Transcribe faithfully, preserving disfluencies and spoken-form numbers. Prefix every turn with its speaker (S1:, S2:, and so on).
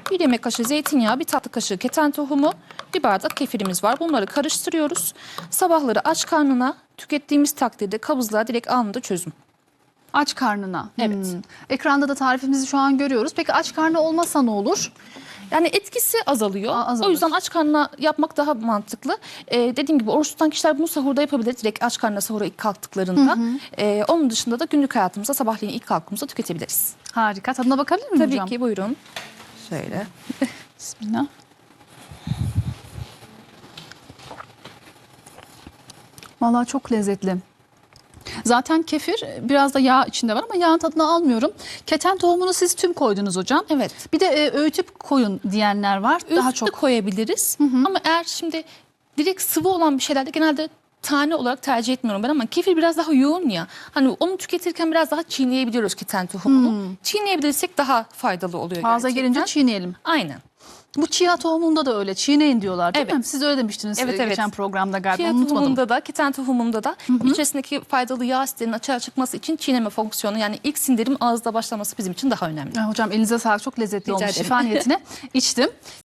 S1: bir yemek kaşığı zeytinyağı, bir tatlı kaşığı keten tohumu, bir bardak kefirimiz var. Bunları karıştırıyoruz. Sabahları aç karnına tükettiğimiz takdirde kabızlığa direkt anında çözüm.
S2: Aç karnına.
S1: Evet.
S2: Hmm. Ekranda da tarifimizi şu an görüyoruz. Peki aç karnı olmasa ne olur?
S1: Yani etkisi azalıyor.
S2: Aa, azalır.
S1: O yüzden aç karnına yapmak daha mantıklı. Ee, dediğim gibi oruç tutan kişiler bunu sahurda yapabilir. Direkt aç karnına sahura ilk kalktıklarında. Hı hı. Ee, onun dışında da günlük hayatımızda sabahleyin ilk kalktığımızda tüketebiliriz.
S2: Harika. Tadına bakabilir miyim
S1: Tabii
S2: hocam?
S1: ki, buyurun. Şöyle.
S2: Bismillah. Vallahi çok lezzetli. Zaten kefir biraz da yağ içinde var ama yağın tadını almıyorum. Keten tohumunu siz tüm koydunuz hocam.
S1: Evet.
S2: Bir de e, öğütüp koyun diyenler var.
S1: Daha
S2: Daha
S1: çok
S2: çok.
S1: koyabiliriz. Ama eğer şimdi direkt sıvı olan bir şeylerde genelde tane olarak tercih etmiyorum ben, ama kefir biraz daha yoğun ya. Hani onu tüketirken biraz daha çiğneyebiliyoruz keten tohumunu. Çiğneyebilirsek daha faydalı oluyor
S2: Ağza
S1: gerçekten.
S2: gelince çiğneyelim.
S1: Aynen.
S2: Bu chia tohumunda da öyle. Çiğneyin diyorlar değil
S1: Evet.
S2: mi? Siz öyle demiştiniz
S1: Evet,
S2: e,
S1: evet.
S2: geçen programda galiba.
S1: Chia
S2: Unutmadım.
S1: tohumunda da, keten tohumunda da içerisindeki faydalı yağ asitlerinin açığa çıkması için çiğneme fonksiyonu, yani ilk sindirim ağızda başlaması bizim için daha önemli.
S2: Ya hocam elinize sağlık. Çok lezzetli
S1: Rica
S2: olmuş.
S1: ederim.
S2: Şifa niyetine içtim.